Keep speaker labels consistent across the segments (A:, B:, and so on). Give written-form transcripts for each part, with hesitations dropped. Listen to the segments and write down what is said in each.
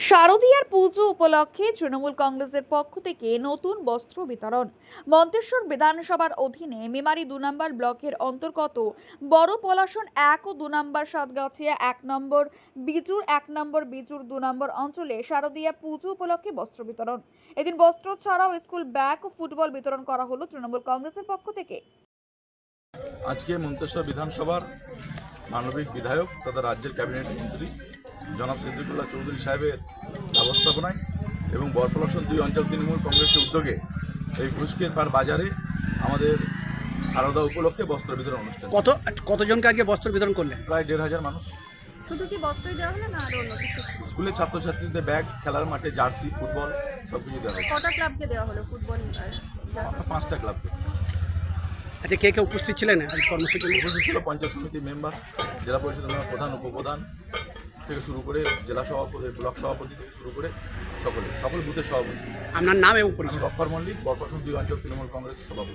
A: শারদীয়ার পুজো উপলক্ষে তৃণমূল কংগ্রেসের পক্ষ থেকে নতুন বস্ত্র বিতরণ। মন্তেশ্বর বিধানসভার অধীনে মেমারি 2 নম্বর ব্লকের অন্তর্গত বড় পলাশন 1 ও 2 নম্বর সাতগাছিয়া 1 নম্বর বিজুর 1 নম্বর বিজুর 2 নম্বর অঞ্চলে শারদীয়া পুজো উপলক্ষে বস্ত্র বিতরণ। এদিন বস্ত্র ছাড়াও স্কুল ব্যাগ ও ফুটবল বিতরণ করা হলো তৃণমূল কংগ্রেসের পক্ষ থেকে।
B: আজকে মন্তেশ্বর বিধানসভার মানবিক বিধায়ক তথা রাজ্যের ক্যাবিনেট মন্ত্রী জনাব সিদ্দিকুল্লাহ চৌধুরী সাহেবের ব্যবস্থাপনায় এবং বরপলাশন 2 অঞ্চল তৃণমূল কংগ্রেসের উদ্যোগে এই ঘুষকের পার বাজারে আমাদের শারদা উপলক্ষে বস্ত্র বিতরণ অনুষ্ঠান।
C: কতজনকে আজকে বস্ত্র বিতরণ করলেন?
B: প্রায় 1,500 মানুষ।
D: শুধু কি বস্ত্রই দেওয়া হলো না আরো অন্য কিছু?
B: স্কুলের ছাত্রছাত্রীদের ব্যাগ, খেলার মাঠে জার্সি, ফুটবল সব কিছু দেওয়া হয়।
D: কটা ক্লাবকে দেওয়া হলো ফুটবল আর জার্সি?
B: 5টা ক্লাবকে।
C: আচ্ছা, কে কে উপস্থিত ছিলেন কর্মসূচিতে?
B: উপস্থিত ছিল পঞ্চায়েত সমিতির মেম্বার, জেলা পরিষদের মেম্বার, প্রধান, উপপ্রধান থেকে শুরু করে জেলা সভাপতি, ব্লক সভাপতি থেকে শুরু করে সকল বুথের সভাপতি।
C: আপনার নাম এবং পরিচয়?
B: অক্ষর মল্লিক, বরপলাশন 2 অঞ্চল তৃণমূল কংগ্রেসের সভাপতি।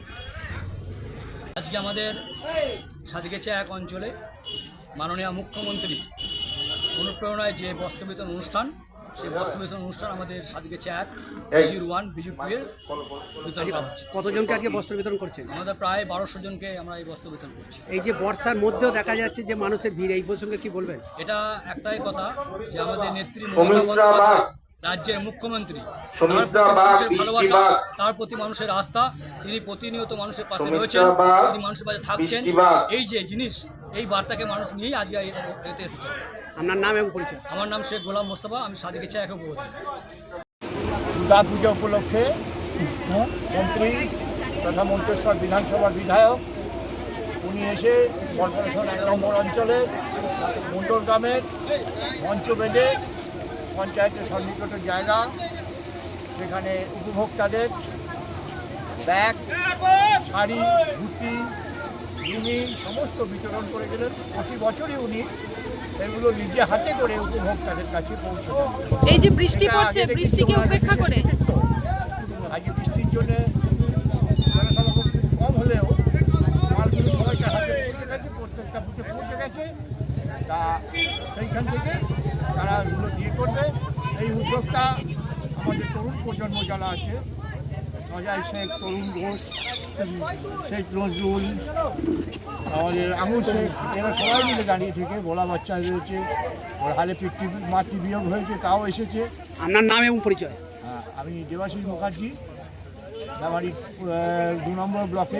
E: আজকে আমাদের সাতগাছিয়া 1 অঞ্চলে মাননীয় মুখ্যমন্ত্রী অনুপ্রেরণায় যে বস্ত্র বিতরণ অনুষ্ঠান, সেই বস্ত্র বিতরণ অনুষ্ঠান আমাদের সাতগাছিয়া 1 বিজুর 1 বিজুর 2 এর বিতরণ করা হচ্ছে।
C: কতজনকে আজকে বস্ত্র বিতরণ করছেন?
E: আমাদের প্রায় 1200 জনকে আমরা এই বস্ত্র বিতরণ করছি।
C: এই যে বর্ষার মধ্যেও দেখা যাচ্ছে যে মানুষের ভিড়, এই প্রসঙ্গে কি বলবেন?
E: এটা একটাই কথা যে আমাদের নেত্রী মমতা বন্দ্যোপাধ্যায় রাজ্যের মুখ্যমন্ত্রী, তার প্রতি মানুষের ভালোবাসা, তার প্রতি মানুষের আস্থা, তিনি প্রতিনিয়ত মানুষের পাশে রয়েছেন, তিনি মানুষের পাশে থাকছেন। এই যে জিনিস, এই বার্তাকে মানুষ নিয়েই আজকে এতে এসেছে।
C: আপনার নাম এবং পরিচয়?
E: আমার নাম শেখ গোলাম মোস্তফা, আমি সাতগাছিয়া 1 উপপ্রধান।
F: দুর্গা পূজা উপলক্ষে মন্ত্রী তথা মন্তেশ্বর বিধানসভার বিধায়ক উনি এসে কর্পোরেশন 1 নম্বর অঞ্চলে মন্ডল গ্রামের মঞ্চ বেঁধে পঞ্চায়েতের সন্নিকট জায়গা, সেখানে উপভোক্তাদের ব্যাগ, শাড়ি, ধুতি, লুঙ্গি সমস্ত বিতরণ করে গেলেন। প্রতি বছরই উনি এগুলো নিজে হাতে করে উপভোক্তাদের কাছে পৌঁছে দেন।
D: এই যে বৃষ্টি পড়ছে, বৃষ্টিকে উপেক্ষা করে
F: আজকে বৃষ্টির জন্য জনসমাগম কম হলেও মালগুলো সবাইকে হাতে পৌঁছে গেছে, প্রত্যেকটা বুথে পৌঁছে গেছে। তা সেইখান থেকে তারা এগুলো দিয়ে করবে। এই উদ্যোগটা আমাদের তরুণ প্রজন্ম যারা আছে, অজয় শেখ, তরুণ ঘোষ, শেখ নজরুল, আমাদের আঙুর শেখ, এরা সবাই মিলে দাঁড়িয়ে থেকে ভোলা বাচ্চা রয়েছে, ওর হালে মাতৃ বিয়োগ হয়েছে, তাও এসেছে।
C: আপনার নাম এবং পরিচয়?
F: আমি দেবাশিস মুখার্জি, মেমারি 2 নম্বর ব্লকে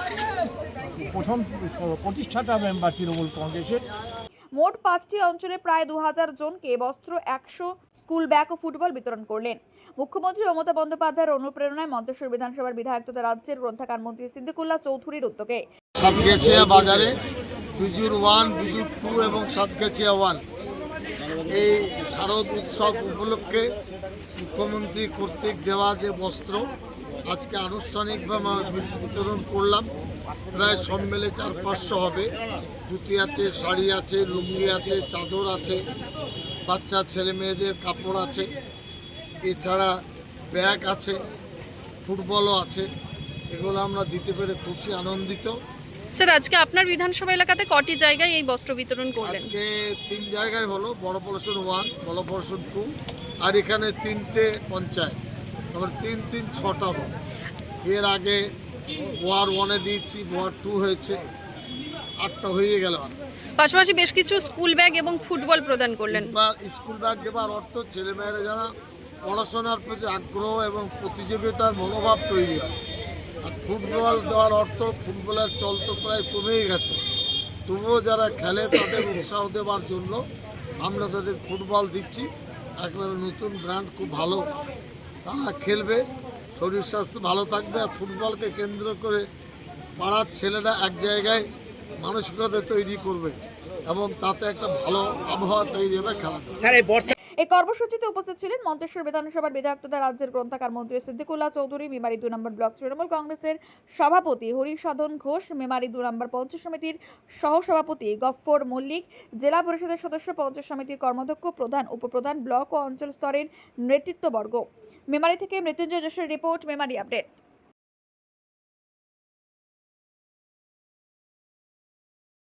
F: প্রথম প্রতিষ্ঠাতা মেম্বার তৃণমূল কংগ্রেসের।
A: মোট 5টি অঞ্চলে প্রায় 2000 জনকে বস্ত্র, 100 স্কুল ব্যাগ ও ফুটবল বিতরণ করলেন। মুখ্যমন্ত্রী মমতা বন্দ্যোপাধ্যায়ের অনুপ্রেরণায় মন্তেশ্বর বিধানসভার বিধায়ক তথা রাজ্যের গ্রন্থাগার মন্ত্রী সিদ্দিকুল্লাহ চৌধুরীর উদ্যোগে
G: সাতগাছিয়া বাজারে বিজুর 1, বিজুর 2 এবং সাতগাছিয়া 1 এই শারদ উৎসব উপলক্ষে মুখ্যমন্ত্রী কর্তৃক দেওয়া যে বস্ত্র আজকে আনুষ্ঠানিকভাবে বিতরণ করলাম। প্রায় সব মিলে 400-500 হবে। ধুতি আছে, শাড়ি আছে, লুঙ্গি আছে, চাদর আছে, বাচ্চা ছেলে মেয়েদের কাপড় আছে, এছাড়া ব্যাগ আছে, ফুটবলও আছে। এগুলো আমরা দিতে পেরে খুশি, আনন্দিত।
D: স্যার, আজকে আপনার বিধানসভা এলাকাতে কটি জায়গায় এই বস্ত্র বিতরণ করলেন?
G: আজকে 3 জায়গায় হলো, বড় পলাশন 1, বড় পলাশন 2, আর এখানে 3টে পঞ্চায়েত, আবার 3 6টা হলো। এর আগে ওয়ার 1-এ দিয়েছি, ওয়ার 2 হয়েছে, 8টা হয়ে গেল।
D: পাশাপাশি বেশ কিছু স্কুল ব্যাগ এবং ফুটবল প্রদান করলেন।
G: স্কুল ব্যাগ দেওয়ার অর্থ ছেলেমেয়েরা যারা পড়াশোনার প্রতি আগ্রহ এবং প্রতিযোগিতার মনোভাব তৈরি হয়। আর ফুটবল দেওয়ার অর্থ ফুটবলের চল তো প্রায় কমেই গেছে, তবুও যারা খেলে তাদের উৎসাহ দেওয়ার জন্য আমরা তাদের ফুটবল দিচ্ছি। একেবারে নতুন ব্র্যান্ড, খুব ভালো, তারা খেলবে, শরীর স্বাস্থ্য ভালো থাকবে। আর ফুটবলকে কেন্দ্র করে পাড়ার ছেলেরা এক জায়গায় মানসিকতা তৈরি করবে এবং তাতে একটা ভালো আবহাওয়া তৈরি হবে খেলাধুলা।
A: এই কর্মসূচিতে উপস্থিত ছিলেন মন্তেশ্বর বিধানসভার বিধায়ক তথা রাজ্যের গ্রন্থাগার মন্ত্রী সিদ্দিকুল্লাহ চৌধুরী, মেমারি 2 নম্বর ব্লক তৃণমূল কংগ্রেসের সভাপতি হরিসাধন ঘোষ, মেমারি 2 নম্বর পঞ্চায়েত সমিতির সহসভাপতি গফফর মল্লিক, জেলা পরিষদের সদস্য, পঞ্চায়েত সমিতির কর্মাধ্যক্ষ, প্রধান, উপপ্রধান, ব্লক ও অঞ্চল স্তরের নেতৃত্ববর্গ। মেমারি থেকে মৃত্যুঞ্জয় যশের রিপোর্ট, মেমারি আপডেট।